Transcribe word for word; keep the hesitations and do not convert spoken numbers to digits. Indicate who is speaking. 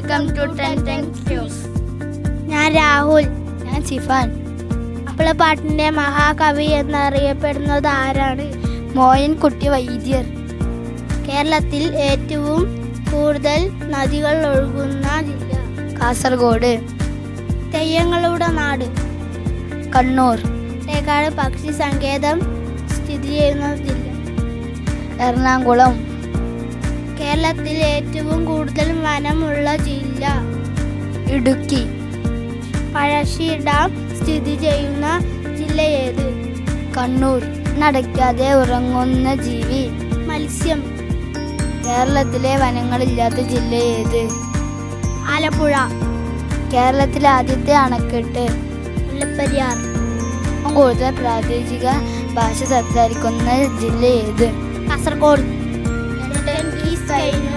Speaker 1: Welcome to ten ten news.
Speaker 2: ഞാൻ രാഹുൽ.
Speaker 1: ഞാൻ സിഫാൻ.
Speaker 2: മാപ്പിളപ്പാട്ടിൻ്റെ മഹാകവി എന്നറിയപ്പെടുന്നത് ആരാണ്?
Speaker 1: മോയിൻകുട്ടി വൈദ്യർ.
Speaker 2: കേരളത്തിൽ ഏറ്റവും കൂടുതൽ നദികൾ ഒഴുകുന്ന ജില്ല?
Speaker 1: കാസർഗോഡ്.
Speaker 2: തെയ്യങ്ങളുടെ നാട്?
Speaker 1: കണ്ണൂർ.
Speaker 2: തേക്കാട് പക്ഷി സങ്കേതം സ്ഥിതി ചെയ്യുന്ന ജില്ല?
Speaker 1: എറണാകുളം.
Speaker 2: കേരളത്തിൽ ഏറ്റവും കൂടുതൽ വനമുള്ള ജില്ല?
Speaker 1: ഇടുക്കി.
Speaker 2: പഴശ്ശി ഡാം സ്ഥിതി ചെയ്യുന്ന ജില്ല ഏത്?
Speaker 1: കണ്ണൂർ. നടക്കാതെ ഉറങ്ങുന്ന ജീവി?
Speaker 2: മത്സ്യം.
Speaker 1: കേരളത്തിലെ വനങ്ങളില്ലാത്ത ജില്ല ഏത്?
Speaker 2: ആലപ്പുഴ.
Speaker 1: കേരളത്തിലെ ആദ്യത്തെ അണക്കെട്ട്?
Speaker 2: മുല്ലപ്പെരിയാർ.
Speaker 1: കൂടുതൽ പ്രാദേശിക ഭാഷ സംസാരിക്കുന്ന ജില്ല ഏത്?
Speaker 2: കാസർഗോഡ്.